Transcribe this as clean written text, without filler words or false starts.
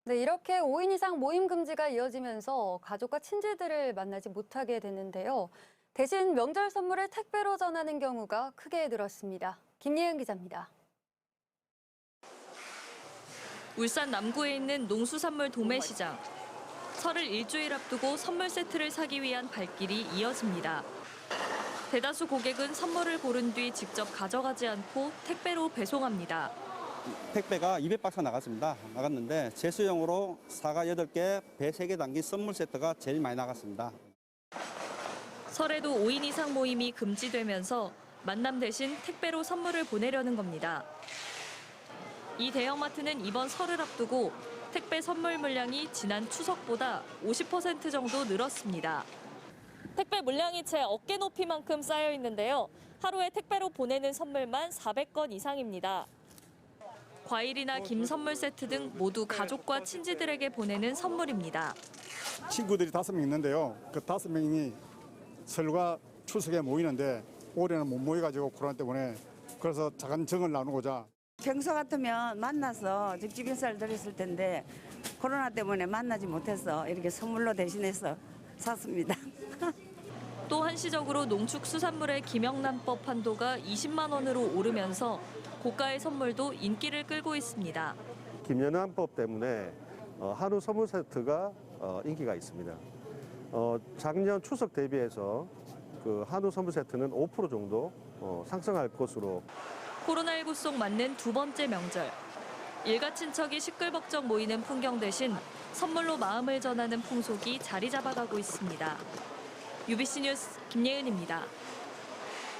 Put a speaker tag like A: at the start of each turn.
A: 네, 이렇게 5인 이상 모임 금지가 이어지면서 가족과 친지들을 만나지 못하게 됐는데요. 대신 명절 선물을 택배로 전하는 경우가 크게 늘었습니다. 김예은 기자입니다.
B: 울산 남구에 있는 농수산물 도매시장. 설을 일주일 앞두고 선물 세트를 사기 위한 발길이 이어집니다. 대다수 고객은 선물을 고른 뒤 직접 가져가지 않고 택배로 배송합니다.
C: 택배가 200박스 나갔는데 제수용으로 사과 8개, 배 3개 담긴 선물 세트가 제일 많이 나갔습니다.
B: 설에도 5인 이상 모임이 금지되면서 만남 대신 택배로 선물을 보내려는 겁니다. 이 대형마트는 이번 설을 앞두고 택배 선물 물량이 지난 추석보다 50% 정도 늘었습니다. 택배 물량이 제 어깨 높이만큼 쌓여 있는데요. 하루에 택배로 보내는 선물만 400건 이상입니다. 과일이나 김 선물 세트 등 모두 가족과 친지들에게 보내는 선물입니다.
D: 친구들이 5명 있는데요. 그 5명이 설과 추석에 모이는데 올해는 못 모여가지고 코로나 때문에 그래서 작은 정을 나누고자.
E: 평소 같으면 만나서 직접 인사를 드렸을 텐데 코로나 때문에 만나지 못해서 이렇게 선물로 대신해서 샀습니다.
B: 또 한시적으로 농축수산물의 김영란법 한도가 20만 원으로 오르면서 고가의 선물도 인기를 끌고 있습니다.
F: 김연한법 때문에 한우 선물 세트가 인기가 있습니다. 작년 추석 대비해서 그 한우 선물 세트는 5% 정도 상승할 것으로.
B: 코로나19 속 맞는 두 번째 명절. 일가 친척이 시끌벅적 모이는 풍경 대신 선물로 마음을 전하는 풍속이 자리 잡아가고 있습니다. UBC 뉴스 김예은입니다.